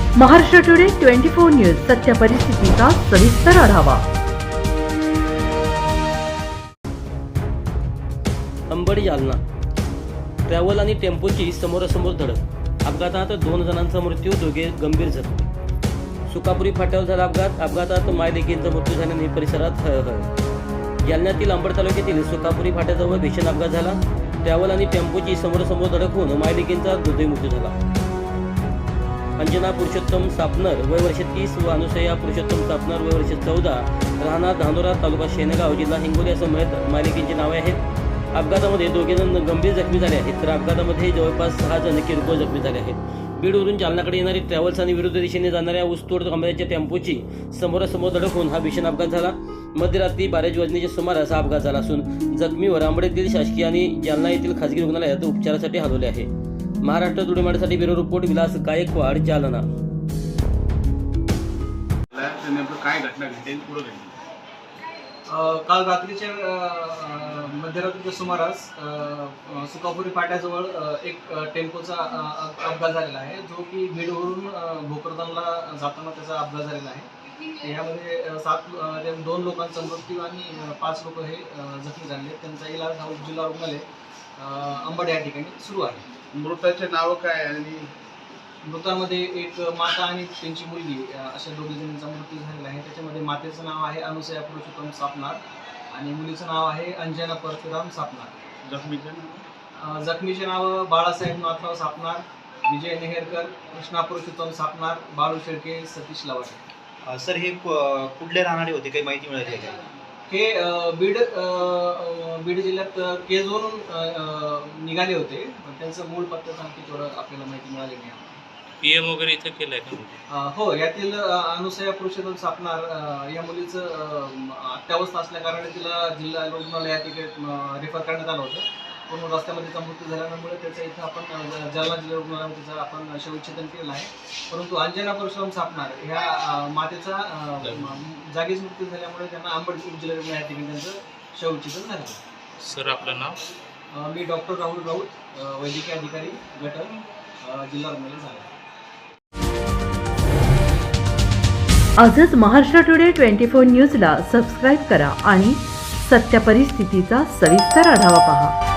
Maharashtra today 24 news सत्य परिस्थितीचा सविस्तर आढावा। अंबड जालना ट्रॅव्हल आणि टेम्पोची समोरासमोर धडक। अपघातात 2 जणांचा मृत्यू, दोघे गंभीर जखमी। सुकापुरी फाट्यावर झाला अपघात। अपघातात मायलेकींचा मृत्यू झाल्याने परिसरात हळहळ। जालन्यातील अंबड तालुक्यातील सुकापुरी फाट्याजवळ भीषण अपघात झाला। ट्रॅव्हल आणि टेम्पोची समोरासमोर धडक होऊन मायलेकींचा दुर्दैवी मृत्यू झाला। अंजना पुरुषोत्तम सापनर वय वर्ष 30 व अनुसया पुरुषोत्तम सापनर वय वर्ष 14 राहणार धानोरा तालुका शेनगाव जिल्हा हिंगोली असं मायलेकींची नावे आहेत। अपघातामध्ये 2 जण गंभीर जखमी झाले आहेत, तर अपघातामध्ये जवळपास 6 जण किरकोळ जखमी झाले आहेत। बीडवरून जालनाकडे येणारी ट्रॅव्हल्स आणि विरुद्ध दिशेने जाणाऱ्या ऊसतोड कामगारांच्या टेम्पोची समोरासमोर धडक होऊन हा भीषण अपघात झाला। मध्यरात्री 12 वाजण्याच्या सुमारास हा अपघात झाला असून जखमीवर अंबड येथील शासकीय आणि जालना येथील खासगी रुग्णालयात उपचारासाठी हलवले आहे। महाराष्ट्र टुडे मराठीसाठी ब्युरो रिपोर्ट विलास गायकवाड, जालना। काय घटना घडली पुढे घडली? काल रात्रीच्या मध्यरात्रीच्या सुमारास सुकापुरी फाट्याजवळ एक टेम्पोचा अपघात झालेला आहे, जो की बीडवरून भोकरदनला जाताना त्याचा अपघात झालेला आहे। यामध्ये 2 लोकांचा मृत्यू आणि 5 लोक हे जखमी झाले। त्यांचा इलाज हा उपजिल्हा रुग्णालय अंबड या ठिकाणी सुरू आहे। मृताचे नाव काय आणि मृतांमध्ये एक माता आणि त्यांची मुलगी अशा 2 जणांचा मृत्यू झालेला आहे। त्याच्यामध्ये मातेचं नाव आहे अनुसया पुरुषोत्तम सापनार आणि मुलीचं नाव आहे अंजना परशुराम सापनार। जखमीचे नाव बाळासाहेब नाथराव सापनार, विजय नेहरकर, कृष्णा पुरुषोत्तम सापनार, बाळू शेळके, सतीश लवाटे। सर हे कुठले राहणारे होते, काही माहिती मिळाली आहे? हे बीड जिल्ह्यात केजवरून निघाले होते, पण त्यांचं मूळ पत्त्याचं आणखी थोडं आपल्याला माहिती मिळाली नाही। पीएम वगैरे इथं केलंय का? हो, यातील अनुसया पुरुषोत्तम सापनार या मुलीचं अत्यावस्था असल्या कारणाने तिला जिल्हा रुग्णालयात रेफर करण्यात आलं होतं, पण रस्त्यामध्ये तिचा मृत्यू झाल्यामुळे त्याचं इथं आपण जालना जिल्हा रुग्णालयात तिचं आपण शवविच्छेदन केलेलं आहे। परंतु अंजना परशुराम सापनार ह्या मातेचा जागीच मृत्यू झाल्यामुळे त्यांना अंबड उपजिल्हा रुग्णालयात त्यांचं शवविच्छेदन झालं। सर आपलं नाव? मी डॉक्टर राहुल राऊत, वैद्यकीय अधिकारी गटक, जिल्हा रुग्णालय झालं। आजच महाराष्ट्र टुडे 24 न्यूजला सबस्क्राईब करा आणि सत्य परिस्थितीचा सविस्तर आढावा पहा।